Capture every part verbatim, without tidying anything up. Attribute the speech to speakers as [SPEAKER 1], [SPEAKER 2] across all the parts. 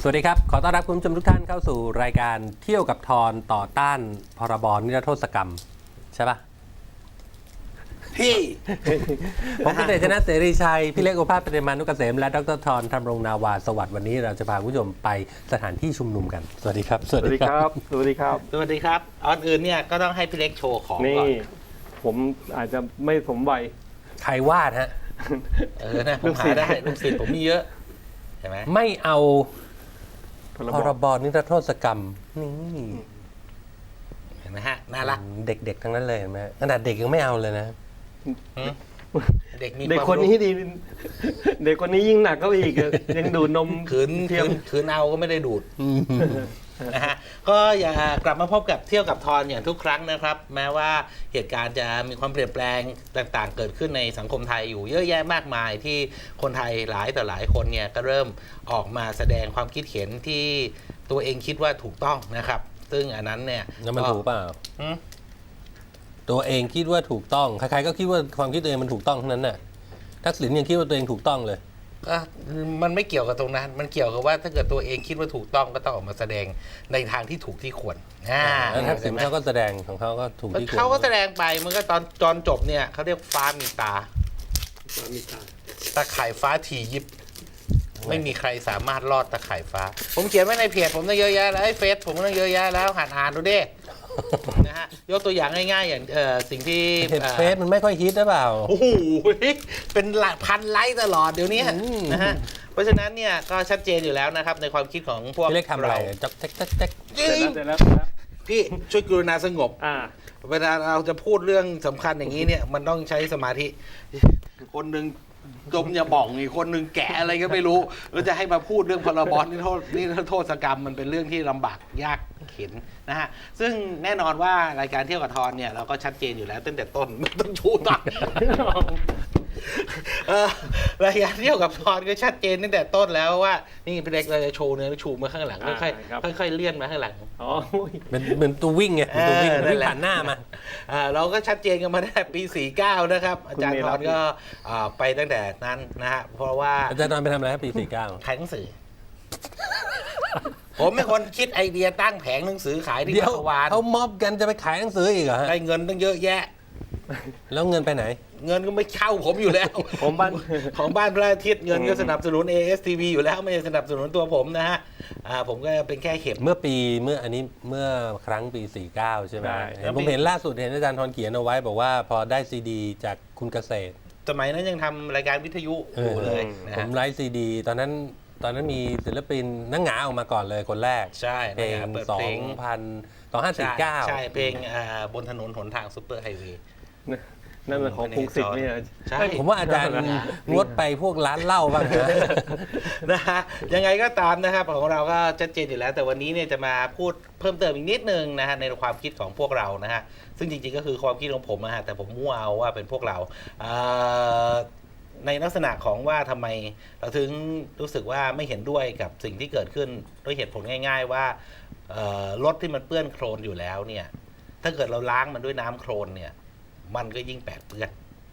[SPEAKER 1] สวัสดีครับขอต้อนรับคุณผู้ชมทุกท่านเข้าสู่รายการเที่ยวกับทอนต่อต้านพรบนิรโทษกรรมใช่ปะ
[SPEAKER 2] พี่
[SPEAKER 1] ผมเป็นเดชนะเสรีชัยพี่เล็กโอภาสปฏิมานุกเกษมและดรทอนธรรมรงนาวาสวัสดิ์วันนี้เราจะพาคุณผู้ชมไปสถานที่ชุมนุมกันสวัสดีครับ
[SPEAKER 3] สวัสดีครับ สวัสดีครับ
[SPEAKER 2] สวัสดีครับก่อนอื่นเนี่ยก็ต้องให้พี่เล็กโชว์ของ
[SPEAKER 3] นี่
[SPEAKER 2] ก่อน
[SPEAKER 3] ผมอาจจะไม่สมวัย
[SPEAKER 1] ใครวาดฮะ
[SPEAKER 2] เออนะผมหาได้ลูกศิษย์ผมมีเยอะใช่ไหม
[SPEAKER 1] ไม่เอา
[SPEAKER 3] พร
[SPEAKER 1] พ
[SPEAKER 3] บ
[SPEAKER 1] รบนิรโทษกรรมนี่
[SPEAKER 2] เห็นไหมฮะน่ารัก
[SPEAKER 1] เด็กๆทั้งนั้นเลยเห็นไหมขนาดเด็กยังไม่เอาเลยนะ
[SPEAKER 2] หืมเด็กมี
[SPEAKER 3] เด็ก
[SPEAKER 2] วาม
[SPEAKER 3] คนนี้
[SPEAKER 2] รู้
[SPEAKER 3] ดี เด็กคนนี้ยิ่งหนักก็อีกอะยังดูดนม
[SPEAKER 2] ขืน
[SPEAKER 3] เที
[SPEAKER 2] ขื
[SPEAKER 3] ยม
[SPEAKER 2] นขืนเอาก็ไม่ได้ดูดนะฮะก็อย่ากลับมาพบกับเที่ยวกับทอนอย่างทุกครั้งนะครับ แม้ว่าเหตุการณ์จะมีความเปลี่ยนแปลงต่างๆ เกิดขึ้นในสังคมไทยอยู่เยอะแยะมากมายที่คนไทยหลายต่อหลายคนเนี่ยก็เริ่มออกมาแสดงความคิดเห็นที่ตัวเองคิดว่าถูกต้องนะครับ ซึ่งอันนั้นเนี่ย
[SPEAKER 1] แล้วมันถูกเปล่า
[SPEAKER 2] อืม
[SPEAKER 1] ตัวเองคิดว่าถูกต้องใครๆก็คิดว่าความคิดตัวเองมันถูกต้องทั้งนั้นน่ะทักษิณยังคิดว่าตัวเองถูกต้องเลย
[SPEAKER 2] ก็มันไม่เกี่ยวกับตรงนั้น มันเกี่ยวกับว่าถ้าเกิดตัวเองคิดว่าถูกต้องก็ต้องออกมาแสดงในทางที่ถูกที่ควรอ่า
[SPEAKER 1] แล้วทักษิณ
[SPEAKER 2] เห็นไหม
[SPEAKER 1] เขาก็แสดงของเขาก็ถูกที่ควร
[SPEAKER 2] เขาก็แสดงไปมันก็ตอนตอนจบเนี่ยเขาเรียกฟ้ามีตาตาข่ายฟ้าถี่ยิบ ไม่มีใครสามารถรอดตาข่ายฟ้า ผมเขียนไว้ในเพจผมตั้งเยอะแยะแล้วไอ้เฟซผมตั้งเยอะแยะแล้วหัดอ่านดูดิ นะฮะยกตัวอย่างง่ายๆ อย่างเอ่อสิ่งที่
[SPEAKER 1] เห็น
[SPEAKER 2] อ่อ
[SPEAKER 1] เฟซมันไม่ค่อยฮิตหรือเปล่า
[SPEAKER 2] โอ้โหเป็นหลักพันไลค์ตลอดเดี๋ยวนี้
[SPEAKER 1] อืม
[SPEAKER 2] นะฮะเพราะฉะนั้นเนี่ยก็ชัดเจนอยู่แล้วนะครับในความคิดของพวก
[SPEAKER 1] พี่เล็กทำอะไร
[SPEAKER 2] เรา
[SPEAKER 1] จ๊อกแจ๊กแจ๊กแจ๊ก
[SPEAKER 2] จริ
[SPEAKER 3] เสร็จ
[SPEAKER 2] ง
[SPEAKER 3] แล้วเสร็จแล้วเสร็จแล้ว
[SPEAKER 2] พี่ช่วยกรุณาสงบ
[SPEAKER 3] อ่า
[SPEAKER 2] เวลาเราจะพูดเรื่องสำคัญอย่างนี้เนี่ยมันต้องใช้สมาธิ คนหนึ่งดมยาบ่องอีกคนหนึ่งแกะอะไรก็ไม่รู้แล้วจะให้มาพูดเรื่องพรบนี่โทษนี่โทษกรรมมันเป็นเรื่องที่ลำบากยากเข็นนะฮะซึ่งแน่นอนว่ารายการเที่ยวกับทอนเนี่ยเราก็ชัดเจนอยู่แล้วตั้งแต่ต้นไม่ต้องชูตัก เออรายการเที่ยวกับทอนก็ชัดเจนตั้งแต่ต้นแล้วว่านี่พี่เล็กเราจะโชว์เนื้อชูมาข้างหลังค่อย
[SPEAKER 3] อ่าครับ
[SPEAKER 2] ๆค่อยๆเลื่อนมาข้างหลัง
[SPEAKER 3] อ๋อโอ้ย
[SPEAKER 1] เป็นเหมือนตัววิ่งไงเป็นตัววิ่ง
[SPEAKER 2] เออนั่
[SPEAKER 1] วิ่
[SPEAKER 2] น
[SPEAKER 1] ง
[SPEAKER 2] แหละ
[SPEAKER 1] ผ่านหน้ามา
[SPEAKER 2] อ่าเราก็ชัดเจนกันมาตั้งแต่ปี สี่สิบเก้า นะครับ อาจารย์ทอนก็อ่าไปตั้งแต่นั้นนะฮะ เพราะว่า
[SPEAKER 1] อาจารย์นอนไปทำอะไรครับปีสี่เก้า
[SPEAKER 2] ขายหนังสือ ผมเป็นคนคิดไอเดียตั้งแผงหนังสือขายที่
[SPEAKER 1] เดี๋ยว
[SPEAKER 2] จักรวาล
[SPEAKER 1] เขาม็อบกันจะไปขายหนังสืออีกเหรอฮะ
[SPEAKER 2] ได้เงินตั้งเยอะแยะ
[SPEAKER 1] แล้วเงินไปไหน
[SPEAKER 2] เงินก็ไม่เข้าผมอยู่แล้ว
[SPEAKER 3] ผมบ้าน
[SPEAKER 2] ของบ้านพระอาทิตย์เงินก็สนับสนุน เอ เอส ที วี อยู่แล้วไม่ได้สนับสนุนตัวผมนะฮะอ่าผมก็เป็นแค่เข็ม
[SPEAKER 1] เมื่อปีเมื่ออันนี้เมื่อครั้งปีสี่เก้าใช่ไหม
[SPEAKER 3] ใช่
[SPEAKER 1] เห็นผมเห็นล่าสุดเห็นอาจารย์ทอนเขียนเอาไว้บอกว่าพอได้ซีดีจากคุณเกษตร
[SPEAKER 2] สมัยนั้นยังทำรายการวิทยุอยู่เลยนะ
[SPEAKER 1] ผม
[SPEAKER 2] ฮะ
[SPEAKER 1] ไลฟ์ซีดีตอนนั้นตอนนั้นมีศิลปินนังหงาออกมาก่อนเลยคนแรก
[SPEAKER 2] ใช่
[SPEAKER 1] เพลง
[SPEAKER 2] นะฮะเปิด
[SPEAKER 1] สอ
[SPEAKER 2] เพล
[SPEAKER 1] ง
[SPEAKER 2] ง
[SPEAKER 1] พันสองห้าสี่เก้า
[SPEAKER 2] ใช่เพลงอ่าบนถนนหนทางซุปเปอร์ไฮเวย์
[SPEAKER 3] นั่นเป็นของพงศิษฐ์เนี่ย
[SPEAKER 2] ใช่
[SPEAKER 1] ผมว่าอาจารย์งดไปพวกร้านเหล้าบ้างนะ
[SPEAKER 2] นะฮะยังไงก็ตามนะครับของเราก็ชัดเจนอยู่แล้ว แต่วันนี้เนี่ยจะมาพูดเพิ่มเติมอีกนิดนึงนะฮะในความคิดของพวกเรานะฮะซึ่งจริงๆก็คือความคิดของผมนะฮะแต่ผมมั่วเอาว่าเป็นพวกเราเอ่อในลักษณะของว่าทำไมเราถึงรู้สึกว่าไม่เห็นด้วยกับสิ่งที่เกิดขึ้นด้วยเหตุผลง่าย ๆ ว่าเอ่อรถที่มันเปื้อนโคลนอยู่แล้วเนี่ยถ้าเกิดเราล้างมันด้วยน้ำโคลนเนี่ยมันก็ยิ่งแปดเปื้อน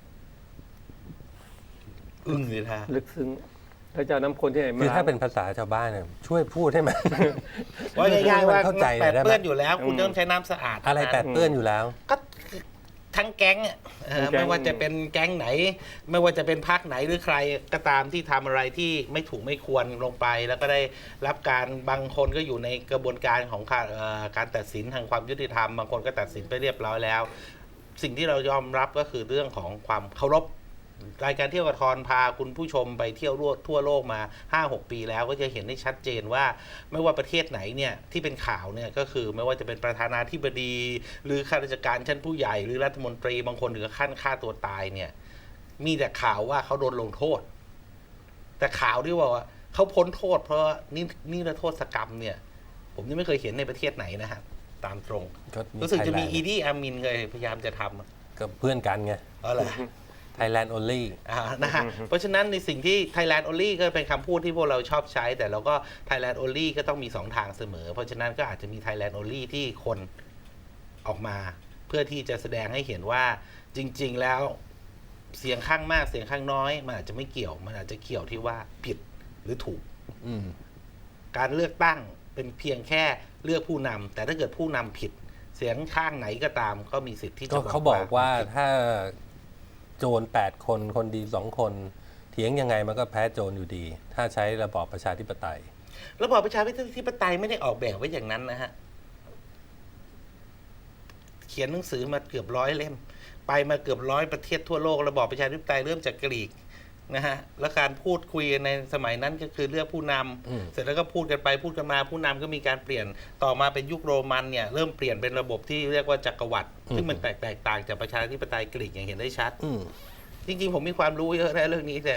[SPEAKER 2] อึ้งเลยท่า
[SPEAKER 3] ลึกซึ้งแล้วจะเอาน้ำคนที่ไหนมา
[SPEAKER 1] คือถ้าเป็นภาษาชาวบ้านเนี่ยช่วยพูดให้มัน
[SPEAKER 2] ว่าง่ายๆว่า
[SPEAKER 1] เข้าใจหน่
[SPEAKER 2] แป
[SPEAKER 1] อย
[SPEAKER 2] ด
[SPEAKER 1] ได้ไหม
[SPEAKER 2] เปื้อนอยู่แล้ว คุณต้องใช้น้ำสะอาด
[SPEAKER 1] อะไรแปดเปื้อนอยู่แล้ว
[SPEAKER 2] ก็ทั้งแก๊งอะเออไม่ว่าจะเป็นแก๊งไหน ไม่ว่าจะเป็นพรรคไหนหรือใครก็ตามที่ทำอะไรที่ไม่ถูกไม่ควรลงไป แล้วก็ได้รับการบางคนก็อยู่ในกระบวนการของการเอ่อการตัดสินทางความยุติธรรมบางคนก็ตัดสินไปเรียบร้อยแล้ว สิ่งที่เรายอมรับก็คือเรื่องของความเคารพรายการเที่ยวกับทอนพาคุณผู้ชมไปเที่ยวทั่วโลกมา ห้าหก ปีแล้วก็จะเห็นได้ชัดเจนว่าไม่ว่าประเทศไหนเนี่ยที่เป็นข่าวเนี่ยก็คือไม่ว่าจะเป็นประธานาธิบดี หรือข้าราชการชั้นผู้ใหญ่หรือรัฐมนตรีบางคนถึงกับขั้นฆ่าตัวตายเนี่ยมีแต่ข่าวว่าเขาโดนลงโทษ แต่ข่าวที่ว่าเขาพ้นโทษ เพราะนี่นี่ละโทษกรรมเนี่ยผมยังไม่เคยเห็นในประเทศไหนนะฮะตามตรง
[SPEAKER 1] ก็มี
[SPEAKER 2] รู้สึกจะมี
[SPEAKER 1] Thailand
[SPEAKER 2] อีดี้อามินเลยพยายามจะทำอะ
[SPEAKER 1] ก็เพื่อนกันไง
[SPEAKER 2] อ๋อเหรอ
[SPEAKER 1] Thailand only
[SPEAKER 2] อ่านะฮะเพราะฉะนั้นในสิ่งที่ Thailand only ก็เป็นคำพูดที่พวกเราชอบใช้ แต่เราก็ Thailand only ก็ต้องมีสองทางเสมอ เพราะฉะนั้นก็อาจจะมี Thailand only ที่คนออกมา เพื่อที่จะแสดงให้เห็นว่าจริง ๆ แล้วเสียงข้างมากเสียงข้างน้อยมันอาจจะไม่เกี่ยว มันอาจจะเกี่ยวที่ว่าผิดหรือถูก
[SPEAKER 1] อืม
[SPEAKER 2] การเลือกตั้งเป็นเพียงแค่เลือกผู้นำแต่ถ้าเกิดผู้นำผิดเสียงข้างไหนก็ตามก็มีสิทธิ์ที่จะ
[SPEAKER 1] ก็เขาบอกว่าถ้าโจรแปดคนคนดีสองคนเถียงยังไงมันก็แพ้โจรอยู่ดี ถ้าใช้ระบอบประชาธิปไตย
[SPEAKER 2] ระบอบประชาธิปไตยไม่ได้ออกแบบไว้อย่างนั้นนะฮะเขียนหนังสือมาเกือบร้อยเล่มไปมาเกือบร้อยประเทศทั่วโลกระบอบประชาธิปไตยเริ่มจากกรีกนะฮะแล้วการพูดคุยในสมัยนั้นก็คือเลือกผู้นำเสร็จแล้วก็พูดกันไปพูดกันมาผู้นำก็มีการเปลี่ยนต่อมาเป็นยุคโรมันเนี่ยเริ่มเปลี่ยนเป็นระบบที่เรียกว่าจักรวรรดิซึ่งมันแตกแตกต่างจากประชาธิปไตยกรีกอย่างเห็นได้ชัดจริงๆผมมีความรู้เยอะนะเรื่องนี้แต่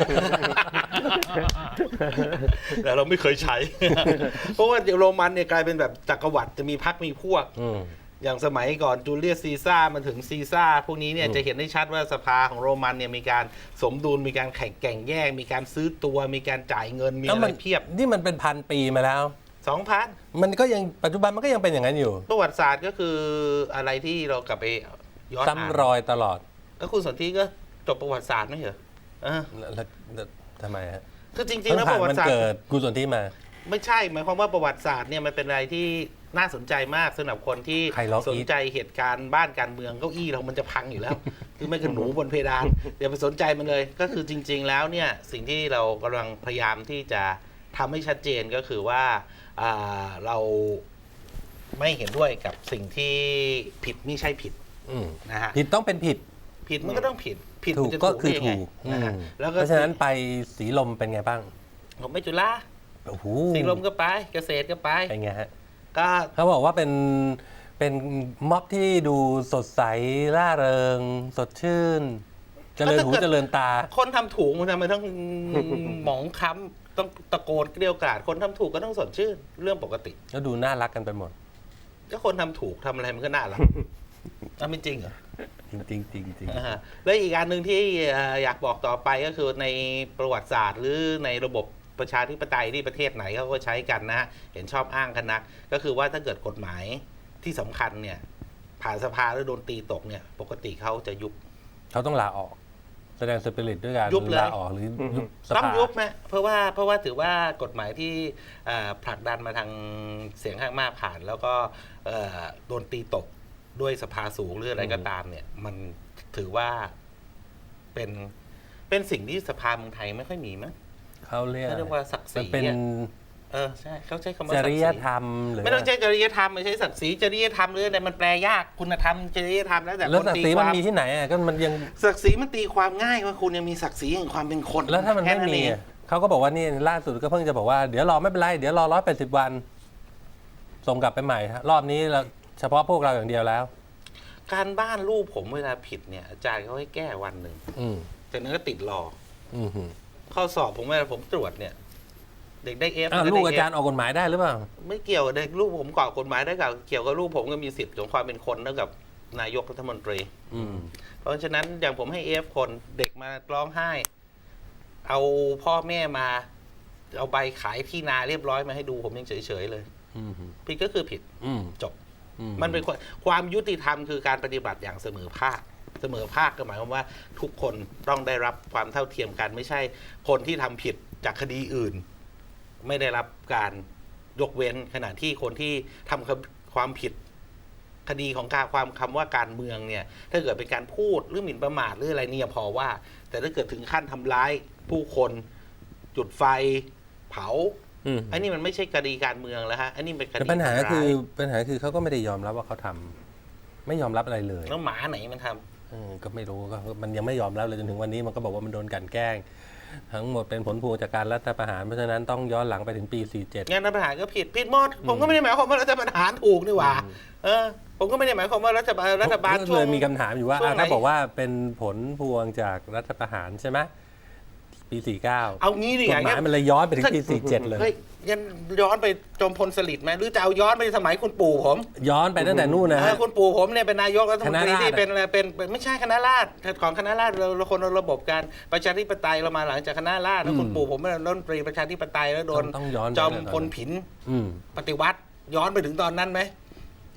[SPEAKER 2] แต่เราไม่เคยใช้ เพราะว่าโรมันเนี่ยกลายเป็นแบบจักรวรรดิจะมีพรรคมีพวกอย่างสมัยก่อนจูเลียสซีซ่าร์มาถึงซีซ่าร์พวกนี้เนี่ยจะเห็นได้ชัดว่าสภาของโรมันเนี่ยมีการสมดุลมีการแข่งแข่งแย่งมีการซื้อตัวมีการจ่ายเงินมีอะไรเพียบ
[SPEAKER 1] นี่มันเป็นพันปีมาแล้ว
[SPEAKER 2] สองพัน
[SPEAKER 1] มันก็ยังปัจจุบันมันก็ยังเป็นอย่างนั้นอยู่
[SPEAKER 2] ประวัติศาสตร์ก็คืออะไรที่เรากลับไปย้อนอ่าน
[SPEAKER 1] ซ้ำรอยตลอด
[SPEAKER 2] แล้วคุณสนธิก็จบประวัติศาสตร์ไม่เหรอเออ
[SPEAKER 1] แล้วทำไมฮะ
[SPEAKER 2] คือจริงๆแล้วประวัติศาสตร์
[SPEAKER 1] เกิดคุณสนธิมา
[SPEAKER 2] ไม่ใช่หมายความว่าประวัติศาสตร์เนี่ยมันเป็นอะไรที่น่าสนใจมากสำหรับคนที่สนใจเหตุการณ์บ้านการเมืองเก้าอี้เรามันจะพังอยู่แล้ว คือไม่กระหนูบนเพดานอย่าไปสนใจมันเลยก็คือจริงๆแล้วเนี่ยสิ่งที่เรากำลังพยายามที่จะทำให้ชัดเจนก็คือว่าเราไม่เห็นด้วยกับสิ่งที่ผิดไม่ใช่ผิดนะฮะ
[SPEAKER 1] ผิดต้องเป็นผิด
[SPEAKER 2] ผิดมันก็ต้องผิดผิด
[SPEAKER 1] ถูกก็คือถูกนะฮะเพราะฉะนั้นไปสีลมเป็นไงบ้าง
[SPEAKER 2] ผมไม่จุฬาสีลมก็ไปเกษตรก็ไป
[SPEAKER 1] เป็นไงฮะ
[SPEAKER 2] ก็
[SPEAKER 1] เขาบอกว่าเป็นเป็นม็อบที่ดูสดใสร่าเริงสดชื่นเจริญหูเจริญตา
[SPEAKER 2] คนทำถูกมันทำไมต้องหมองค้ำต้องตะโกนเกลียวกราดคนทำถูกก็ต้องสดชื่นเรื่องปกติ
[SPEAKER 1] แล้วดูน่ารักกันไปหมด
[SPEAKER 2] ก็คนทำถูกทำอะไรมันก็น่ารักนั่นไม่จริงเหรอ
[SPEAKER 1] จริงจริงจริงจริง
[SPEAKER 2] แล้วอีกอันหนึ่งที่อยากบอกต่อไปก็คือในประวัติศาสตร์หรือในระบบประชาธิปไตยที่ประเทศไหนเขาก็ใช้กันนะเห็นชอบอ้างกันนักก็คือว่าถ้าเกิดกฎหมายที่สำคัญเนี่ยผ่านสภาแล้วโดนตีตกเนี่ยปกติเขาจะยุบ
[SPEAKER 1] เขาต้องลาออกแสดงสปิริตด้วยการลาออกหรือยุบสภา
[SPEAKER 2] ต้องยุบไหมเพราะว่าเพราะว่าถือว่ากฎหมายที่ผลักดันมาทางเสียงข้างมากผ่านแล้วก็โดนตีตกด้วยสภาสูงหรืออะไรก็ตามเนี่ยมันถือว่าเป็นเป็นสิ่งที่สภาเมืองไทยไม่ค่อยมีมั้ง
[SPEAKER 1] เขาเรีย
[SPEAKER 2] กว่าศักดิ์ศรี
[SPEAKER 1] เป็น
[SPEAKER 2] เออใช่เขาใช้คำว่า
[SPEAKER 1] จริยธรรมหรือ
[SPEAKER 2] ไม่ต้องใช้จริยธรรมไม่ใช่ศักดิ์ศรีจริยธรรมหรืออะไรมันแปลยากคุณธรรมจริยธรรมแล้วแต่
[SPEAKER 1] แล้วศักดิ์ศรีมันมีที่ไหนอ่ะก็มันยัง
[SPEAKER 2] ศักดิ์ศรีมันตีความง่ายว่าคุณยังมีศักดิ์ศรีแห่งความเป็นคน
[SPEAKER 1] แล้วถ้ามันไม่มีเขาก็บอกว่านี่ล่าสุดก็เพิ่งจะบอกว่าเดี๋ยวรอไม่เป็นไรเดี๋ยวรอร้อยแปดสิบวันส่งกลับไปใหม่รอบนี้เราเฉพาะพวกเราอย่างเดียวแล้ว
[SPEAKER 2] การบ้านลูกผมเวลาผิดเนี่ยอาจารย์เขาให้แก้วันหนึ่งจากนั้นก็ติดรอข้อสอบผมเวลาผมตรวจเนี่ยเด็กได้เอฟ
[SPEAKER 1] ลูกอาจารย์ออกกฎหมายได้หรือเปล่า
[SPEAKER 2] ไม่เกี่ยวเด็กลูกผมก่อกฎหมายได้กับเกี่ยวกับลูกผมก็มีสิทธิ์ของความเป็นคนเท่ากับนายกรัฐมนตรีเพราะฉะนั้นอย่างผมให้เอฟคนเด็กมาร้องไห้เอาพ่อแม่มาเอาใบขายที่นาเรียบร้อยมาให้ดูผมยังเฉยๆเลยผิดก็คือผิดจบมันเป็นความยุติธรรมคือการปฏิบัติอย่างเสมอภาคเสมอภาคก็หมายความว่าทุกคนต้องได้รับความเท่าเทียมกันไม่ใช่คนที่ทำผิดจากคดีอื่นไม่ได้รับการยกเว้นขณะที่คนที่ทำความผิดคดีของการความคำว่าการเมืองเนี่ยถ้าเกิดเป็นการพูดหรือหมิ่นประมาทหรืออะไรเนี่ยพอว่าแต่ถ้าเกิดถึงขั้นทำร้ายผู้คนจุดไฟเผาอันนี้มันไม่ใช่คดีการเมืองแล้วฮะอันนี้เป็นคดี
[SPEAKER 1] ปัญหาคือปัญหาคือเขาก็ไม่ได้ยอมรับว่าเขาทำไม่ยอมรับอะไรเลย
[SPEAKER 2] แล้วหมาไหนมันท
[SPEAKER 1] ำก็ไม่รู้ก็มันยังไม่ยอมรับเลยจนถึงวันนี้มันก็บอกว่ามันโดนกันแกล้งทั้งหมดเป็นผลพวงจากการรัฐประหารเพราะฉะนั้นต้องย้อนหลังไปถึงปีสี่สิบเจ็ด
[SPEAKER 2] งานรัฐประหารก็ผิดผิดหมดผมก็ไม่ได้หมายความว่ารัฐประหารถูกนี่หว่าเออผมก็ไม่ได้หมายความว่ารัฐบาลรัฐบาลช่วง
[SPEAKER 1] มีคำถามอยู่ว่าถ้าบอกว่าเป็นผลพวงจากรัฐประหารใช่ไหมปีสี่สิบเก้า
[SPEAKER 2] เอางี้ดิ
[SPEAKER 1] กฎหมายมันเลยย้อนไปถึงปีสี่สิบเจ็ดเลย
[SPEAKER 2] ยันย้อนไปจอมพลสฤษดิ์ไหมหรือจะเอาย้อนไปสมัยคุณปู่ผม
[SPEAKER 1] ย้อนไปตั้งแต่นู่นนะ
[SPEAKER 2] คุณปู่ผมเนี่ยเป็นนายกรัฐมนตรีที่เป็นอะไรเป็นไม่ใช่คณะราษฎรของคณะราษฎรเราคนระบบการประชาธิปไตยเรามาหลังจากคณะราษฎรแล้วคุณปู่ผมเป็นรัฐมนตรีประชาธิปไตยแล้วโดนจอมพลผินปฏิวัติย้อนไปถึงตอนนั้นไหม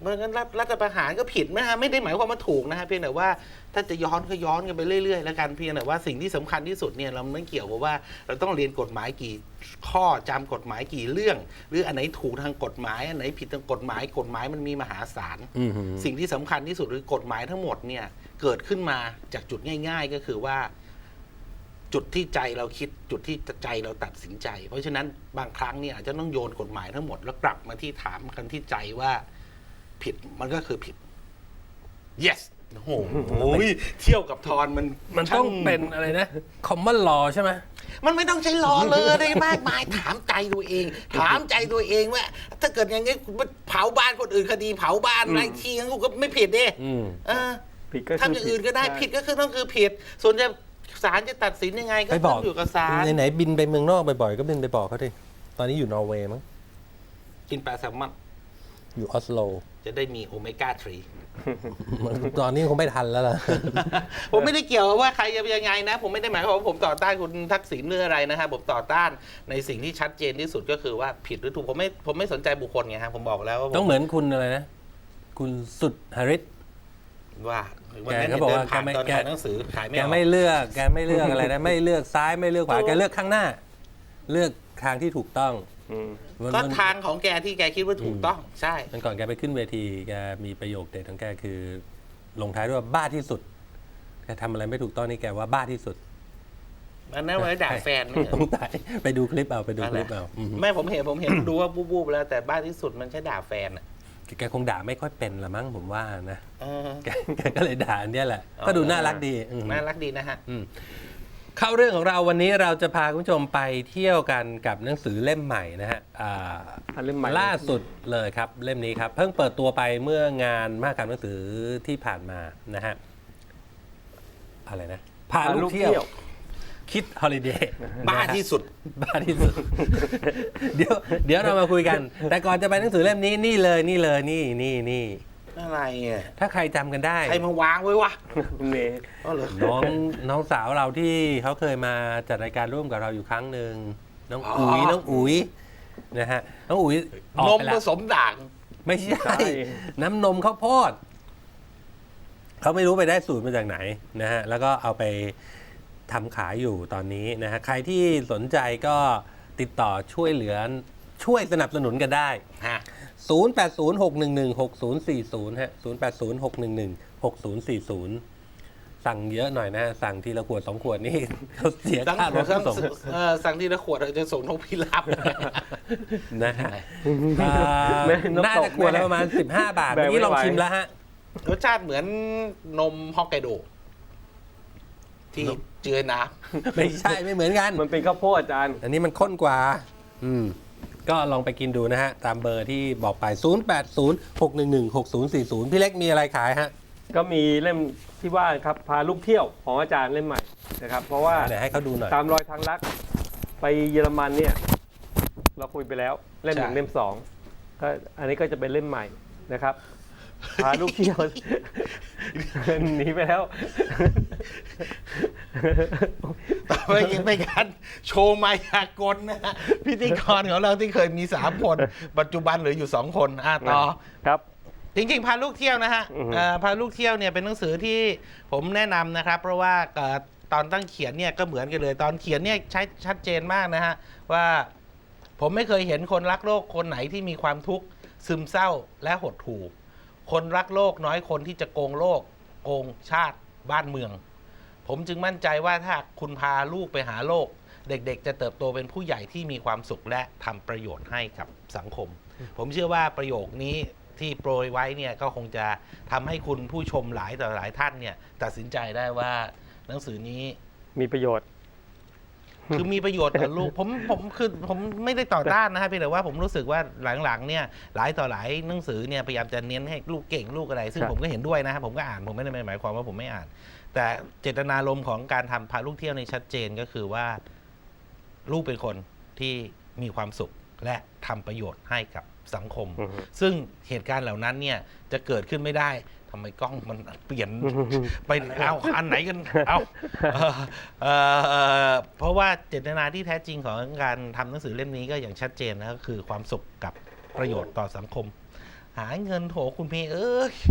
[SPEAKER 2] เพราะงั้นรัฐรัฐประหารก็ผิดนะฮะไม่ได้หมายความว่าถูกนะฮะเพียงแต่ว่าถ้าจะย้อนก็ย้อนกันไปเรื่อยๆแล้วกันเพียงแต่ว่าสิ่งที่สำคัญที่สุดเนี่ยเราไม่เกี่ยวกับว่าเราต้องเรียนกฎหมายกี่ข้อจำกฎหมายกี่เรื่อง หรืออันไหนถูกทางกฎหมายอันไหนผิดทางกฎหมายกฎหมายมันมีมหาศาล
[SPEAKER 1] อือหือ
[SPEAKER 2] สิ่งที่สำคัญที่สุดคือกฎหมายทั้งหมดเนี่ยเกิดขึ้นมาจากจุดง่าย ๆ ก็คือว่า จุดที่ใจเราคิดจุดที่ใจเราตัดสินใจ เพราะฉะนั้นบางครั้งเนี่ยอาจจะต้องโยนกฎหมายทั้งหมดแล้วกลับมาที่ถามกันที่ใจว่าผิดมันก็คือผิด yes โอ้โหเที่ยวกับทอนมัน
[SPEAKER 1] มันต้องเป็นอะไรนะ common law ใช่ไหม
[SPEAKER 2] มันไม่ต้องใช้รอเลยได้มากมายถามใจตัวเอง ถามใจตัวเองว่า ถ้าเกิดอย่างนี้เผาบ้านคนอื่นคดีเผาบ้านอะไรทีงั้นกูก็ไม่ผิดดิ
[SPEAKER 1] อืม
[SPEAKER 2] เออ
[SPEAKER 3] ผิดก็คือ
[SPEAKER 2] ทำอย่างอื่นก็ได้ผิดก็คือต้องคือผิด ส่วนจะศาลจะตัดสินยังไงก็
[SPEAKER 1] ไปบ
[SPEAKER 2] ต้
[SPEAKER 1] อ
[SPEAKER 2] อก งอยู่กับศาล
[SPEAKER 1] ไหนๆบินไปเมืองนอกบ่อยๆก็บินไปบอกเขาดิตอนนี้อยู่นอร์เวย์มั้ง
[SPEAKER 2] กินปลาแซลมอน
[SPEAKER 1] อยู่ออสโล
[SPEAKER 2] จะได้มีโอเมก้าสาม
[SPEAKER 1] ตอนนี้คงไม่ทันแล้วล่ะ
[SPEAKER 2] ผมไม่ได้เกี่ยวว่าใครจะยังไงนะ ผมไม่ได้หมายความว่าผมต่อต้านคุณทักษิณหรืออะไรนะฮะผมต่อต้านในสิ่งที่ชัดเจนที่สุดก็คือว่าผิดหรือถูกผมไม่ผมไม่สนใจบุคคลไงฮะผมบอกแล้วว่าผม
[SPEAKER 1] ต้องเหมือนคุณอะไรนะ คุณสุดหริต
[SPEAKER 2] ว่าวันนั้น
[SPEAKER 1] แกก็บอก
[SPEAKER 2] เดิ
[SPEAKER 1] ว่าน
[SPEAKER 2] ผ่าน
[SPEAKER 1] แกไม่
[SPEAKER 2] ตอน
[SPEAKER 1] แก
[SPEAKER 2] ขายหนังสือขายไม่
[SPEAKER 1] แก
[SPEAKER 2] ออก
[SPEAKER 1] ไม่เลือกแกไม่เลือกอะไรนะ ไม่เลือกซ้ายไม่เลือกขวาแกเลือกข้างหน้า เลือกทางที่ถูกต้อง
[SPEAKER 3] อืม
[SPEAKER 1] วัน
[SPEAKER 2] ก็
[SPEAKER 1] วัน
[SPEAKER 2] ทางของแกที่แกคิดว่าถูกต้องใช่
[SPEAKER 1] วันก่อนแกไปขึ้นเวทีแกมีประโยคเด็ดของแกคือ ลงท้ายด้วยว่าบ้าที่สุดแกทำอะไรไม่ถูกต้องนี่แกว่าบ้าที่สุด
[SPEAKER 2] อันนั้นไว้ด่าแฟนไม่เหรอ
[SPEAKER 1] ต้องตายไปดูคลิปเอาไปดูคลิปเอาอืม
[SPEAKER 2] ไม่ผมเห็นผมเห็นดูว่าบูบๆแล้วแต่บ้านที่สุดมันใช่ด่าแฟนอ่ะ
[SPEAKER 1] แกคงด่าไม่ค่อยเป็นละมั้งผมว่านะ
[SPEAKER 2] เออ
[SPEAKER 1] แกแกก็เลยด่าอันเนี้ยแหละ
[SPEAKER 2] อ๋อ
[SPEAKER 1] ก็ดูน่ารักดีอืม
[SPEAKER 2] น่ารักดีนะฮะ
[SPEAKER 1] อืมเข้าเรื่องของเราวันนี้เราจะพาคุณผู้ชมไปเที่ยวกันกับหนังสือเล่มใหม่นะฮะอ่า
[SPEAKER 3] อันเล่มใหม่
[SPEAKER 1] ล่าสุดเลยครับเล่มนี้ครับ เพิ่งเปิดตัวไปเมื่องานมหกรรมหนังสือที่ผ่านมานะฮะอะไรนะพาลูกเที่ยวคิดฮอลิเดย์
[SPEAKER 2] บ้าที่สุด
[SPEAKER 1] บ้าที่สุด เดี๋ยวเดี๋ยวเรามาคุยกัน แต่ก่อนจะไปหนังสือเล่มนี้นี่เลยนี่เลยนี่นี่นี่
[SPEAKER 2] อะไรอ่ะ
[SPEAKER 1] ถ้าใครจำกันได้
[SPEAKER 2] ใครมาวางไว้วะ
[SPEAKER 3] คุณเมย์
[SPEAKER 2] อ๋อเหรอ
[SPEAKER 1] น้องน้องสาวเราที่เขาเคยมาจัดรายการร่วมกับเราอยู่ครั้งหนึ่งน้อง
[SPEAKER 2] อ๋อ
[SPEAKER 1] อุ๋ยน้องอุ๋ยนะฮะน้องอุ๋ยออก
[SPEAKER 2] นม
[SPEAKER 1] ไป
[SPEAKER 2] ผ
[SPEAKER 1] แล้ว
[SPEAKER 2] สมด่าง
[SPEAKER 1] ไม่ใช่ น้ำนมข้าวโพดเขาไม่รู้ไปได้สูตรมาจากไหนนะฮะแล้วก็เอาไปทำขายอยู่ตอนนี้นะฮะใครที่สนใจก็ติดต่อช่วยเหลือช่วยสนับสนุนกันได้
[SPEAKER 2] ฮะ
[SPEAKER 1] ศูนย์ แปด ศูนย์ หก หนึ่ง หนึ่ง หก ศูนย์ สี่ ศูนย์ ฮะ ศูนย์ แปด ศูนย์ หก หนึ่ง หนึ่ง หก ศูนย์ สี่ ศูนย์ สั่งเยอะหน่อยนะ สั่งทีละขวดสองขวดนี่ เขาเสีย
[SPEAKER 2] สั่ง
[SPEAKER 1] ค่ารถ
[SPEAKER 2] สั่ง
[SPEAKER 1] ส่ง
[SPEAKER 2] เอ่อสั่งทีละขวดเราจะส่งนกพิราบ
[SPEAKER 1] นะฮะอ่า
[SPEAKER 3] แม่นกตก
[SPEAKER 1] น่าจะขวดละประมาณ สิบห้า บาท
[SPEAKER 3] แบก
[SPEAKER 1] เมื่อกี้ลอง
[SPEAKER 3] ไม่ไหว
[SPEAKER 1] ชิมแล้วฮะ
[SPEAKER 2] รสชาติเหมือนนมฮอกไกโด ที่เจือน้
[SPEAKER 1] ไม่ใช่ไม่เหมือนกัน
[SPEAKER 3] มันเป็นข้าวโพดอาจารย์
[SPEAKER 1] อันนี้มันข้นกว่า อืม ก็ลองไปกินดูนะฮะ ตามเบอร์ที่บอกไป ศูนย์ แปด ศูนย์ หก หนึ่ง หนึ่ง หก ศูนย์ สี่ ศูนย์ พี่เล็กมีอะไรขายฮะ
[SPEAKER 3] ก็มีเล่มที่ว่าครับพาลูกเที่ยวของอาจารย์เล่มใหม่นะครับ เพราะว่า
[SPEAKER 1] ไหนให้เขาดูหน่อย
[SPEAKER 3] ตามรอยทางลักไปเยอรมันเนี่ย เราคุยไปแล้วเล่มหนึ่งเล่มสองก็อันนี้ก็จะเป็นเล่มใหม่นะครับ พาลูกเที่ยว หนีไปแล้ว
[SPEAKER 2] ำต่อไปยังเป็นการโชว์มายากลนะฮะพิธีกรของเราที่เคยมีสามคน ปัจจุบันเหลืออยู่สองคนอ่ะต่อ
[SPEAKER 3] ครับ
[SPEAKER 2] จริงๆ พาลูกเที่ยวนะฮะ
[SPEAKER 3] อือฮึ
[SPEAKER 2] เอ่อพาลูกเที่ยวเนี่ยเป็นหนังสือที่ผมแนะนำนะครับ เพราะว่าเอ่อตอนตั้งเขียนเนี่ยก็เหมือนกันเลย ตอนเขียนเนี่ยใช้ชัดเจนมากนะฮะว่าผมไม่เคยเห็นคนรักโลกคนไหนที่มีความทุกข์ซึมเศร้าและหดหู่คนรักโลกน้อยคนที่จะโกงโลกโกงชาติบ้านเมือง ผมจึงมั่นใจว่าถ้าคุณพาลูกไปหาโลก เด็กๆ จะเติบโตเป็นผู้ใหญ่ที่มีความสุขและทำประโยชน์ให้กับสังคม ผมเชื่อว่าประโยคนี้ที่โปรยไว้เนี่ยก็คงจะทำให้คุณผู้ชมหลายต่อหลายท่านเนี่ยตัดสินใจได้ว่าหนังสือนี้
[SPEAKER 3] มีประโยชน์
[SPEAKER 2] คือมีประโยชน์ต่อลูกผมผมคือผมไม่ได้ต่อต้านนะฮะเพียงแต่ว่าผมรู้สึกว่าหลังๆเนี่ยหลายต่อหลายหนังสือเนี่ยพยายามจะเน้นให้ลูกเก่งลูกอะไร ซึ่ง
[SPEAKER 3] ครับ
[SPEAKER 2] ผมก็เห็นด้วยนะครับผมก็อ่านผมไม่ได้หมายความว่าผมไม่อ่าน แต่เจตนารมณ์ของการทำพาลูกเที่ยวในชัดเจนก็คือว่าลูกเป็นคนที่มีความสุขและทำประโยชน์ให้กับสังคม
[SPEAKER 3] อือฮึ
[SPEAKER 2] ซึ่งเหตุการณ์เหล่านั้นเนี่ยจะเกิดขึ้นไม่ได้ทำไมกล้องมันเปลี่ยน ไปเอาอันไหนกันเอาเอ่อเอ่อเพราะว่าเจตนาที่แท้จริงของการทำหนังสือเล่มนี้ก็อย่างชัดเจนนะก็คือความสุขกับประโยชน์ต่อสังคมหาเงินโถคุณเมย์เอ้ย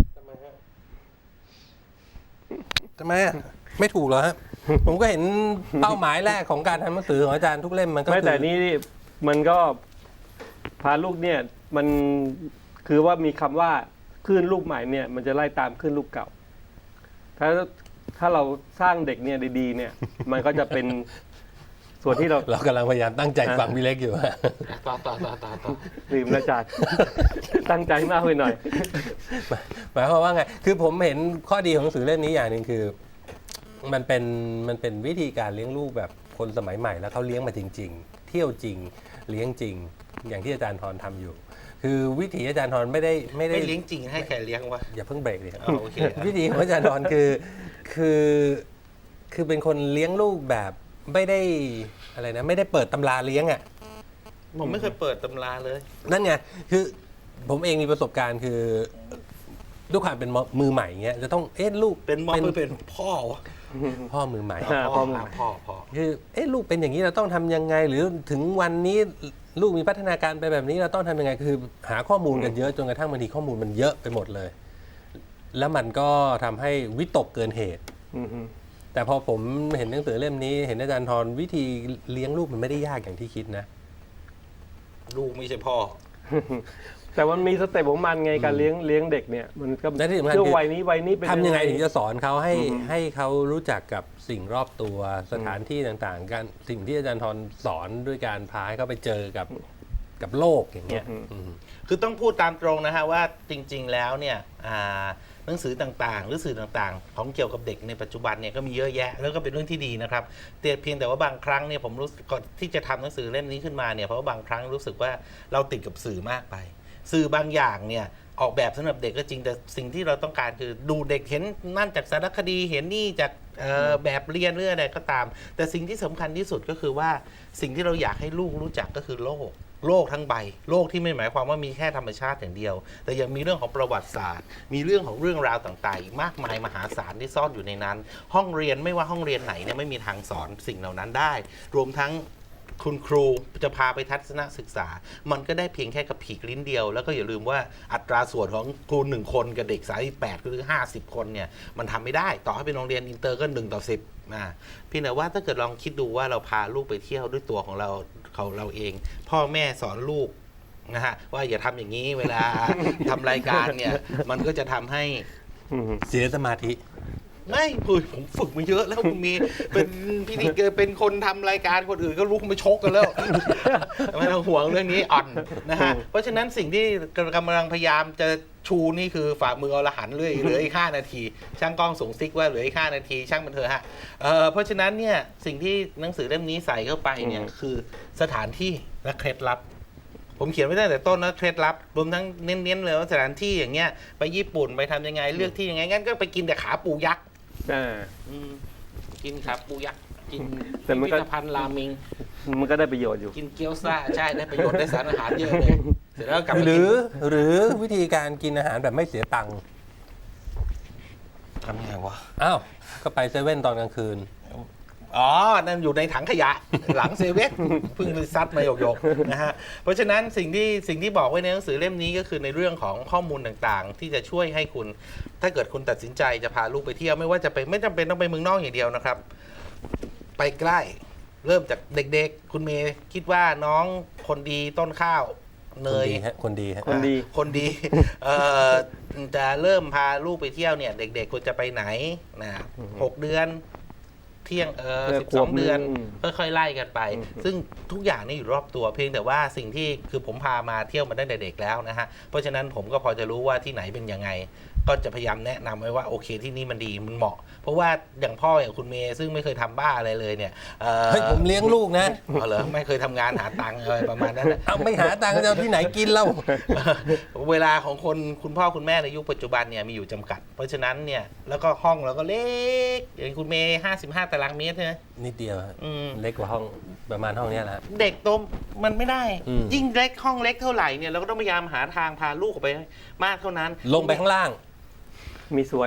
[SPEAKER 1] ทำไมอะไม่ถูกเหรอฮะ ผมก็เห็นเป้าหมายแรกของการทำหนังสือของอาจารย์ทุกเล่มมันก็
[SPEAKER 3] ไม่
[SPEAKER 1] คือ
[SPEAKER 3] แต่นี่มันก็พาลูกเนี่ยมันคือว่ามีคำว่าคลื่นลูกใหม่เนี่ยมันจะไล่ตามคลื่นลูกเก่า ถ้าถ้าเราสร้างเด็กเนี่ยดีๆ เนี่ย มันก็จะเป็นส่วนที่เรา
[SPEAKER 1] เรากำลังพยายามตั้งใจฟังพี่เล็กอยู่ฮะ
[SPEAKER 2] ต่อต่อต่อต่อต่อ
[SPEAKER 3] ลืมแล้วอาจารย์ ตั้งใจมากไปหน่อย
[SPEAKER 1] หมายความว่าไง คือผมเห็นข้อดีของหนังสือเล่มนี้อย่างหนึ่งคือ มันเป็นมันเป็นวิธีการเลี้ยงลูกแบบคนสมัยใหม่แล้วเขาเลี้ยงมาจริง ๆ เที่ยวจริง เลี้ยงจริง อย่างที่อาจารย์ทรทำอยู่ คือวิถีอาจารย์ทรไม่ได้ไม่ได้
[SPEAKER 2] ไม่เลี้ยงจริงให้ใครเลี้ยงวะ
[SPEAKER 1] อย่าเพิ่งเบรกดิครับ
[SPEAKER 2] อ๋อโอเค
[SPEAKER 1] วิธีของอาจารย์ทรคือคือคือเป็นคนเลี้ยงลูกแบบไม่ได้อะไรนะไม่ได้เปิดตำราเลี้ยงอ่ะ
[SPEAKER 2] ผมไม่เคยเปิดตำราเลย
[SPEAKER 1] นั่นไง คือผมเองมีประสบการณ์คือด้วยความเป็นมือใหม่เงี้ยจะต้องเอ๊ะลูก
[SPEAKER 2] เป็นมอเป็นพ่อวะ
[SPEAKER 1] พ่อมือใหม่
[SPEAKER 3] อ่า
[SPEAKER 2] พ่อ
[SPEAKER 3] พ่อ
[SPEAKER 2] พ่อพ่อ
[SPEAKER 1] คือเอ๊ะลูกเป็นอย่างนี้เราต้องทำยังไง หรือถึงวันนี้ลูกมีพัฒนาการไปแบบนี้เราต้องทำยังไงคือหาข้อมูลกันเยอะจนกระทั่งบางทีข้อมูลมันเยอะไปหมดเลย แล้วมันก็ทำให้วิตกเกินเหตุ
[SPEAKER 3] อือฮึ
[SPEAKER 1] แต่พอผมเห็นหนังสือเล่มนี้ เห็นอาจารย์ทรวิธีเลี้ยงลูกมันไม่ได้ยากอย่างที่คิดนะ
[SPEAKER 2] ลูกไม่ใช่พ่อ
[SPEAKER 3] แต่มันมีสเต็ปของมันไงการเลี้ยงเลี้ยงเด็กเนี่ย มันก็
[SPEAKER 1] และที่สำคัญ
[SPEAKER 3] ช่วง
[SPEAKER 1] คือ
[SPEAKER 3] วัยนี้วัยนี้เป็น
[SPEAKER 1] ทำยังไงถึงจะสอนเขาให้
[SPEAKER 3] อือฮึ
[SPEAKER 1] ให้เขารู้จักกับสิ่งรอบตัวสถานที่ต่างๆการสิ่งที่อาจารย์ทรสอนด้วยการพาให้เขาไปเจอกับกับโลกอย่างเงี้ยอืม
[SPEAKER 2] คือต้องพูดตามตรงนะฮะว่าจริง ๆ แล้วเนี่ยอ่าหนังสือต่างๆ หรือสื่อต่างๆ ของเกี่ยวกับเด็กในปัจจุบันเนี่ยก็มีเยอะแยะแล้วก็เป็นเรื่องที่ดีนะครับแต่เพียงแต่ว่าบางครั้งเนี่ยผมรู้สึกก่อนที่จะทำหนังสือเล่มนี้ขึ้นมาเนี่ยเพราะว่าบางครั้งรู้สึกว่าเราติดกับสื่อมากไป สื่อบางอย่างเนี่ยออกแบบสำหรับเด็กก็จริงแต่สิ่งที่เราต้องการคือดูเด็กเห็นนั่นจากสารคดีเห็นนี่จากเอ่อแบบเรียนเรื่องอะไรก็ตาม แต่สิ่งที่สำคัญที่สุดก็คือว่าสิ่งที่เราอยากให้ลูกรู้จักก็คือโลก โลกทั้งใบโลกที่ไม่หมายความว่ามีแค่ธรรมชาติอย่างเดียว แต่ยังมีเรื่องของประวัติศาสตร์ มีเรื่องของเรื่องราวต่างๆอีกมากมายมหาศาลที่ซ่อนอยู่ในนั้น ห้องเรียนไม่ว่าห้องเรียนไหนเนี่ยไม่มีทางสอนสิ่งเหล่านั้นได้ รวมทั้งคุณครูจะพาไปทัศนศึกษา มันก็ได้เพียงแค่กับผีกลิ้นเดียว แล้วก็อย่าลืมว่าอัตราส่วนของครูหนึ่งคนกับเด็กสายแปดหรือห้าสิบคนเนี่ยมันทำไม่ได้ต่อให้เป็นโรงเรียนอินเตอร์ก็หนึ่งต่อสิบนะพี่แต่ว่าถ้าเกิดลองคิดดูว่าเราพาลูกไปเที่ยวด้วยตัวของเราเขาเราเอง พ่อแม่สอนลูกนะฮะว่าอย่าทำอย่างนี้เวลา ทำรายการเนี่ยมันก็จะทำให้
[SPEAKER 3] อือฮึ
[SPEAKER 1] เสียสมาธิ
[SPEAKER 2] ไม่คุยผมฝึกมาเยอะแล้วคุณมีเป็นพิธีเกอร์เป็นคนทำรายการคนอื่นก็ลุกมาชกกันแล้ว ไม่ต้องห่วงเรื่องนี้อ่อนนะฮะเพราะฉะนั้นสิ่งที่กำลังพยายามจะชูนี่คือฝ่ามืออรหันต์เลยเหลืออีกห้านาที ช่างกล้องส่งซิกว่าเหลืออีกห้านาทีช่างมันเถอะฮะเอ่อเพราะฉะนั้นเนี่ยสิ่งที่หนังสือเล่มนี้ใส่เข้าไปเนี่ยคือสถานที่และเคล็ดลับ ผมเขียนไว้ตั้งแต่ต้นนะเคล็ดลับรวมทั้งเน้นๆเลยว่าสถานที่อย่างเงี้ยไปญี่ปุ่นไปทำยังไงเลือกที่ยังไงงั้นก็ไปกินแต่ขาปูยักษ์
[SPEAKER 3] อ่า
[SPEAKER 2] อืมกินขาปูยักษ์กิน
[SPEAKER 3] แต่มัน
[SPEAKER 2] พิ
[SPEAKER 3] ก็
[SPEAKER 2] พิธภัณฑ์ราเมง
[SPEAKER 3] มันก็ได้ประโยชน์อยู่
[SPEAKER 2] กินเกี๊ยวซ่าใช่ได้ประโยชน์ได้สารอาหารเยอะเลยเสร็จแล้วกลับมา
[SPEAKER 1] หรื
[SPEAKER 2] กิ
[SPEAKER 1] อน หรือวิธีการกินอาหารแบบไม่เสียตังค์
[SPEAKER 2] ทำยังไงวะ
[SPEAKER 1] อ้าวก็ไปเซเว่นตอนกลางคืน
[SPEAKER 2] อ๋อ นั่นอยู่ในถังขยะ หลังเซเว่นเพิ่งไปซัดมาหยกๆนะฮะ เพราะฉะนั้นสิ่งที่สิ่งที่บอกไว้ในหนังสือเล่มนี้ก็คือในเรื่องของข้อมูลต่างๆ ที่จะช่วยให้คุณ ถ้าเกิดคุณตัดสินใจจะพาลูกไปเที่ยวไม่ว่าจะไปไม่จำเป็นต้องไปเมืองนอกอย่างเดียวนะครับ ไปใกล้ เริ่มจากเด็กๆ คุณเมย์คิดว่าน้องคนดีต้นข้าวเน
[SPEAKER 1] คน
[SPEAKER 2] ย
[SPEAKER 1] ดีฮะคนดีฮะ
[SPEAKER 3] คนดี
[SPEAKER 2] คนดี เอ่อจะเริ่มพาลูกไปเที่ยวเนี่ย เด็กๆควรจะไปไหนนะหกเดือน เที่ยงเออ
[SPEAKER 3] เออ
[SPEAKER 2] สิบ
[SPEAKER 3] ข
[SPEAKER 2] ส
[SPEAKER 3] ว
[SPEAKER 2] อบ ง
[SPEAKER 3] หนึ่ง
[SPEAKER 2] เดือน
[SPEAKER 3] อืม
[SPEAKER 2] ค่อยๆไล่กันไป
[SPEAKER 3] อืม
[SPEAKER 2] ซึ่งทุกอย่างนี่อยู่รอบตัวเพียงแต่ว่าสิ่งที่คือผมพามาเที่ยวมาตั้งแต่เด็กแล้วนะฮะเพราะฉะนั้นผมก็พอจะรู้ว่าที่ไหนเป็นยังไง ก็จะพยายามแนะนำไว้ว่าโอเคที่นี่มันดีมันเหมาะ เพราะว่าอย่างพ่ออย่างคุณเมย์ซึ่งไม่เคยทำบ้าอะไรเลยเนี่ยเออ
[SPEAKER 1] เฮ้ยผมเลี้ยงลูกนะ
[SPEAKER 2] เอาเหรอไม่เคยทำงานหาตังค์อะไรประมาณนั้นนะ
[SPEAKER 1] เอาไม่หาตังค์จะเอาที่ไหนกินเล่า
[SPEAKER 2] เวลาของคนคุณพ่อคุณแม่ในยุคปัจจุบันเนี่ยมีอยู่จำกัด เพราะฉะนั้นเนี่ยแล้วก็ห้องเราก็เล็กอย่างคุณเมย์ห้าสิบห้าตารางเมตรใช่ไหม
[SPEAKER 1] นิดเดียวฮะ
[SPEAKER 2] อืม
[SPEAKER 1] เล็กกว่าห้องประมาณห้องเนี้ยแหละ
[SPEAKER 2] เด็กโตมันไม่ได้
[SPEAKER 1] อืม
[SPEAKER 2] ยิ่งเล็กห้องเล็กเท่าไหร่เนี่ยเราก็ต้องพยายามหาทางพาลูกออกไปมากเท่านั้น
[SPEAKER 1] ลงไปข้างล่าง
[SPEAKER 3] มีสวน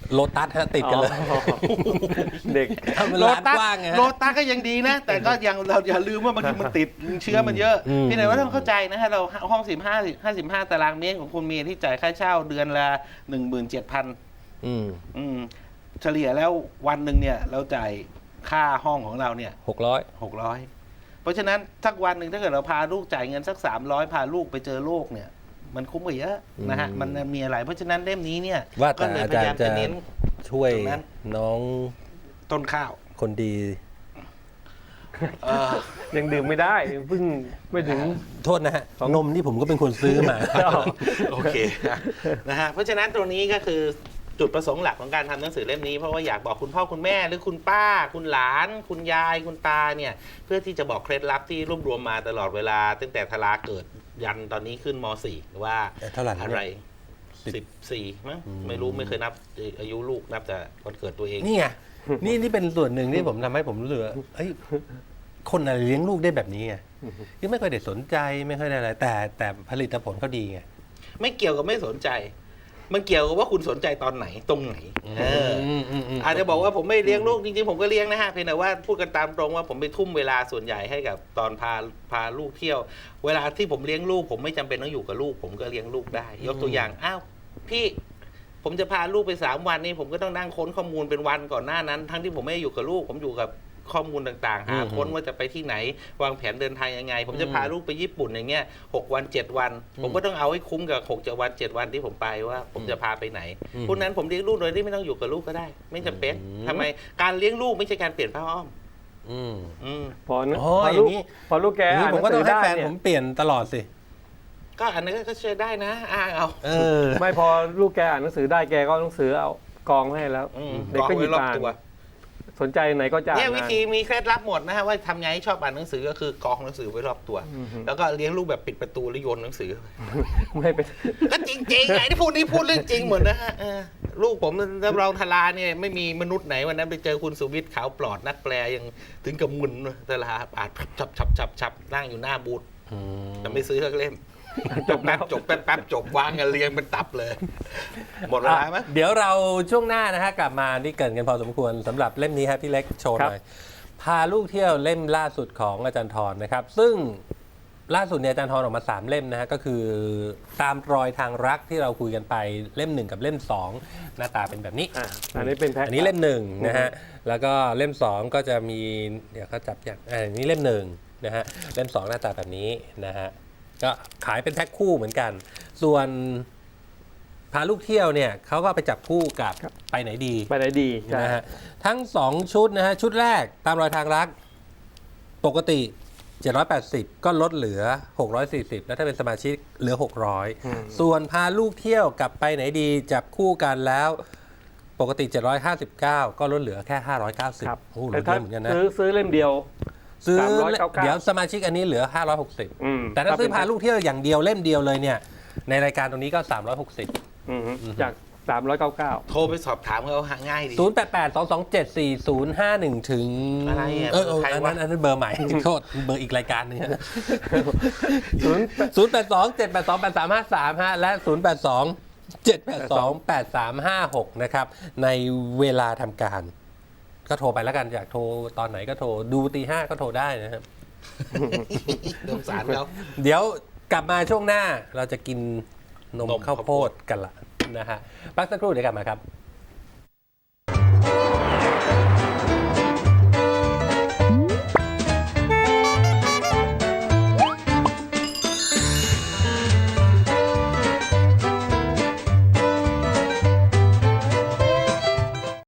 [SPEAKER 1] โลตัสฮะติดกันเลย
[SPEAKER 3] อ๋อ เด็ก
[SPEAKER 1] ทำเป็น
[SPEAKER 2] โล
[SPEAKER 1] ร้าน
[SPEAKER 2] ตัส
[SPEAKER 1] กว้างไงฮะ
[SPEAKER 2] โลตัสก็ยังดีนะ แต่ก็ยังเราอย่าลืมว่าบางทีมันติดเชื้อมันเยอะ
[SPEAKER 1] อืม
[SPEAKER 2] พี่ไหนว่าต้องเข้าใจนะฮะเราห้องสิบห้าห้าสิบห้าตารางเมตรของคุณมีที่จ่ายค่าเช่าเดือนละหนึ่งหมื่นเจ็ดพัน
[SPEAKER 1] อืม
[SPEAKER 2] อืมเฉลี่ยแล้ววันหนึ่งเนี่ยเราจ่ายค่าห้องของเราเนี่ย
[SPEAKER 1] หกร้อย
[SPEAKER 2] หกร้อยเพราะฉะนั้นสักวันหนึ่งถ้าเกิดเราพาลูกจ่ายเงินสักสามร้อยพาลูกไปเจอโลกเนี่ย มันคุ้มกว่าเยอะนะฮะมันมีอะไรเพราะฉะนั้นเล่มนี้เนี่ย
[SPEAKER 1] ว่า
[SPEAKER 2] ก็
[SPEAKER 1] แต่
[SPEAKER 2] เลย
[SPEAKER 1] อา
[SPEAKER 2] พ
[SPEAKER 1] จาร
[SPEAKER 2] ยายาม
[SPEAKER 1] ย์จะ
[SPEAKER 2] จะเน้น
[SPEAKER 1] ช่วย
[SPEAKER 2] ตรงนั้น
[SPEAKER 1] น้อง
[SPEAKER 2] ต้นข้าว
[SPEAKER 1] คนดี
[SPEAKER 2] เออ
[SPEAKER 3] ยังดื่มไม่ได้เพิ่งไม่ถึง
[SPEAKER 1] โทษนะฮะ นมนี่ผมก็เป็นคนซื้อมา
[SPEAKER 2] โอเคนะฮะเพราะฉะนั้นตรงนี้ก็คือจุดประสงค์หลักของการทำหนังสือเล่มนี้เพราะว่าอยากบอกคุณพ่อคุณแม่หรือคุณป้า คุณหลาน คุณยายคุณตาเนี่ยเพื่อที่จะบอกเคล็ดลับที่รวบรวมมาตลอดเวลา ตั้งแต่ทลาเกิดยันตอนนี้ขึ้นม .สี่ ว่า
[SPEAKER 1] เท่าไหร่แล้วเนี่ย
[SPEAKER 2] อะไร สิบสี่มั้งไม่รู้ไม่เคยนับอายุลูกนับแต่วันเกิดตัวเอง
[SPEAKER 1] นี่ไง นี่นี่เป็นส่วนหนึ่งที่ผมทำให้ผมรู้สึกว่าเฮ้ย คนอะไรเลี้ยงลูกได้แบบนี้ไงที่ไม่ค่อยได้สนใจไม่ค่อยได้อะไร แต่แต่ผลิตผลเขาดีไง
[SPEAKER 2] ไม่เกี่ยวกับไม่สนใจ มันเกี่ยวกับว่าคุณสนใจตอนไหนตรงไหนเออ
[SPEAKER 1] มอืมอืม
[SPEAKER 2] อาจจะบอกว่าผมไม่เลี้ยงลูกจริงๆผมก็เลี้ยงนะฮะเพียงแต่ว่าพูดกันตามตรงว่าผมไปทุ่มเวลาส่วนใหญ่ให้กับตอนพาพาลูกเที่ยว เวลาที่ผมเลี้ยงลูกผมไม่จำเป็นต้องอยู่กับลูก ผมก็เลี้ยงลูกได้ ยกตัวอย่างอ้าวพี่ผมจะพาลูกไปสามวันนี่ผมก็ต้องนั่งค้นข้อมูลเป็นวันก่อนหน้านั้น ทั้งที่ผมไม่ได้อยู่กับลูก ผมอยู่กับข้อมูลต่างๆหาค้นว่าจะไปที่ไหน วางแผนเดินทางยังไง ผมจะพาลูกไปญี่ปุ่นอย่างเงี้ยหกวันเจ็ดวัน ผมก็ต้องเอาให้คุ้มกับหกเจ็ดวันเจ็ดวันที่ผมไปว่า ผมจะพาไปไหนพวกนั้นผมเลี้ยงลูกโดยที่ไม่ต้องอยู่กับลูกก็ได้ ไม่จำเป็นทำไมการเลี้ยงลูกไม่ใช่การเปลี่ยนผ้าอ้อม
[SPEAKER 1] อืม
[SPEAKER 2] อืม
[SPEAKER 3] พอนะ
[SPEAKER 1] อ๋อ
[SPEAKER 3] พอ
[SPEAKER 1] อ
[SPEAKER 3] ลู
[SPEAKER 1] ย่าก งนี้
[SPEAKER 3] พอลูกแก
[SPEAKER 1] อย่างนี้
[SPEAKER 3] อ่าน
[SPEAKER 1] ผ
[SPEAKER 3] ห
[SPEAKER 1] ม
[SPEAKER 3] นัง
[SPEAKER 1] ก็ต้
[SPEAKER 3] สื
[SPEAKER 1] อง
[SPEAKER 3] อ
[SPEAKER 1] ให้
[SPEAKER 3] ได้
[SPEAKER 1] แฟน
[SPEAKER 3] เนี่
[SPEAKER 1] ผ
[SPEAKER 3] ย
[SPEAKER 1] มเปลี่ยนตลอดสิ
[SPEAKER 2] ก็อันนั้นก็ช่วยได้นะอ้างเอา
[SPEAKER 1] เออ
[SPEAKER 3] ไม่พอลูกแกอ่านหนังสือได้แกก็หนังสือเอากองให้แล้ว
[SPEAKER 2] อืม
[SPEAKER 3] เด็กก็หยิบ
[SPEAKER 2] รอบ
[SPEAKER 3] อ่าน
[SPEAKER 2] ตัว
[SPEAKER 3] สนใจไหนก็จะอ่า
[SPEAKER 2] เนี่ย
[SPEAKER 3] น
[SPEAKER 2] วิธีมีเคล็ดลับหมดนะฮะว่าทำไงให้ชอบอ่านหนังสือก็คือกองหนังสือไว้รอบตัว แล้วก็เลี้ยงลูกแบบปิดประตูแล้วโยนหนังสือ
[SPEAKER 3] ไม่เป็น
[SPEAKER 2] ก็จริงๆไงที่พูดนี่พูดเรื่องจริงหมดนะฮะเออลูกผมรับรองทลาเนี่ยไม่มีมนุษย์ไหนวันนั้นไปเจอคุณสุวิทย์ขาวปลอดนักแปลยังถึงกับมึนทลาอ่านฉับฉับฉับฉับนั่งอยู่หน้าบูธแต่ไม่ซื้อสักเล่มจบแป๊บจบแป๊บแป๊บจบวางกันเรียงเป็นตับเลย หมดเวลาไหม
[SPEAKER 1] เดี๋ยวเราช่วงหน้านะฮะกลับมานี่เกรินกันพอสมควรสำหรับเล่มนี้ฮะพี่เล็กโชว์หน่อยพาลูกเที่ยวเล่มล่าสุดของอาจารย์ทรนะครับ ซึ่งล่าสุดเนี่ยอาจารย์ทรออกมาสามเล่มนะฮะก็คือตามรอยทางรักที่เราคุยกันไปเล่มหนึ่งกับเล่มสองหน้าตาเป็นแบบนี้
[SPEAKER 3] อ่ะอันนี้เป็นแพ็ค
[SPEAKER 1] อันนี้เล่มหนึ่งนะฮะแล้วก็เล่มสองก็จะมีเดี๋ยวเขาจับอย่างอันนี้เล่มหนึ่งนะฮะเล่มสองหน้าตาแบบนี้นะฮะก็ขายเป็นแพ็คคู่เหมือนกัน ส่วนพาลูกเที่ยวเนี่ยเขาก็ไปจับคู่กับไปไหนดี
[SPEAKER 3] ไปไหนดีใช่
[SPEAKER 1] นะฮะทั้งสองชุดนะฮะชุดแรกตามรอยทางรักปกติเจ็ดร้อยแปดสิบก็ลดเหลือหกร้อยสี่สิบแล้วถ้าเป็นสมาชิกเหลือหกร้อยส่วนพาลูกเที่ยวกับไปไหนดีจับคู่กันแล้วปกติเจ็ดร้อยห้าสิบเก้าก็ลดเหลือแค่ห้าร้อยเก้าสิบ
[SPEAKER 3] ครับ
[SPEAKER 1] โอ้โหล
[SPEAKER 3] แต่
[SPEAKER 1] ดเย
[SPEAKER 3] ถ้า
[SPEAKER 1] อะเหมือนกันนะ
[SPEAKER 3] ซื้อซื้อเล่มเดียว
[SPEAKER 1] ซื้อ
[SPEAKER 3] สามร้อยเก้าสิบเก้า
[SPEAKER 1] เดี๋ยวสมาชิกอันนี้เหลือห้าร้อยหกสิบ
[SPEAKER 3] อืม
[SPEAKER 1] แต่ถ้าซื้อพาลูกเที่ยวอย่างเดียวเล่มเดียวเลยเนี่ยในรายการตรงนี้ก็สามร้อยหกสิบ
[SPEAKER 3] อืมจากสามร้อยเก้าสิบเก้า
[SPEAKER 2] โทรไปสอบถามเขาหาง่ายดี
[SPEAKER 1] ศูนย์ แปด แปด สอง สอง เจ็ด สี่ ศูนย์ ห้า หนึ่ง ถึง
[SPEAKER 2] อะไรอ่ะ
[SPEAKER 1] เออเออ
[SPEAKER 2] ใคร
[SPEAKER 1] อัน
[SPEAKER 2] วะ
[SPEAKER 1] นั้นอันนั้นเบอร์ใหม่ โทษเบอร์อีกรายการหนึงฮะ
[SPEAKER 3] ศูนย์
[SPEAKER 1] ศูนย์ แปด สอง เจ็ด แปด สอง แปด สาม ห้า สาม ฮะ และ ศูนย์ แปด สอง เจ็ด แปด สอง แปด สาม ห้า หก นะครับ ในเวลาทำการ ก็โทรไปแล้วกัน อยากโทรตอนไหนก็โทร ดูตีห้าก็โทรได้นะครับ
[SPEAKER 2] สงสารเขา
[SPEAKER 1] เดี๋ยวกลับมาช่วงหน้าเราจะกินนม
[SPEAKER 2] นม
[SPEAKER 1] ข้าว
[SPEAKER 2] ข้าว
[SPEAKER 1] โพ
[SPEAKER 2] โพ
[SPEAKER 1] ด
[SPEAKER 2] ด
[SPEAKER 1] กันละนะฮะพักสักครู่เดี๋ยวกลับมาครับ